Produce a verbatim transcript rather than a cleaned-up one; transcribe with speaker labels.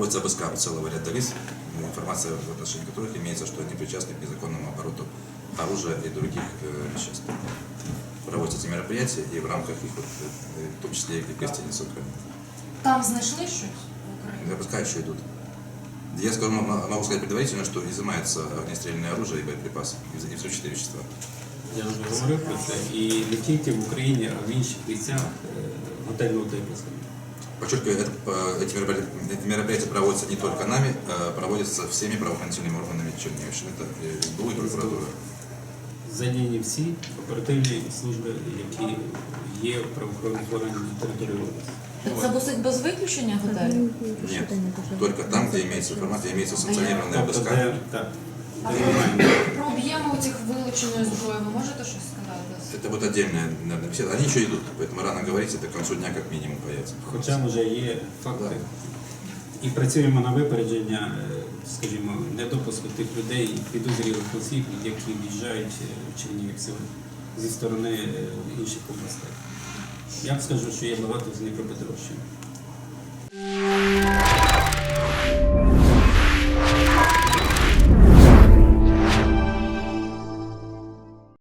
Speaker 1: проводится обыска у целого ряда лиц, информация в отношении которых имеется, что они причастны к незаконному обороту оружия и других э, веществ. Проводятся эти мероприятия, и в рамках их, вот, э, в том числе и в гостинице Украины.
Speaker 2: Там знайшли щось в Україні?
Speaker 1: Обыска еще идут. Я скажу, могу сказать предварительно, что изымается огнестрельное оружие и боеприпасы, и взрывчатые вещества.
Speaker 3: Я вже говорив про це, і не тільки в Україні, а в інших місцях готельного типу.
Speaker 1: Подчеркиваю, это, э, эти, мероприятия, эти мероприятия проводятся не только нами, а проводятся всеми правоохранительными органами Черниговщины. Это эс бэ у и прокуратура.
Speaker 3: Задіяні всі оперативні служби, які є в правоохоронних органах на території області.
Speaker 2: Це досить без виключення готелів?
Speaker 1: Нет, только там, где имеется информация, имеется санкционированная
Speaker 3: Тобто,
Speaker 1: обыска.
Speaker 3: де, так, де немає.
Speaker 2: Про об'єми цих вилученої зброї ви можете щось сказати?
Speaker 1: Это вот отдельная, наверное, беседа. Они еще идут, поэтому рано говорить, это к концу дня как минимум появится.
Speaker 3: Хоча вже є факти. І працюємо на випередження, е, скажімо, недопуску тих людей, підозрілих осіб, які в'їжджають в Чернігів сьогодні зі сторони е, інших областей. Я б скажу, що є багато з Дніпропетровщини.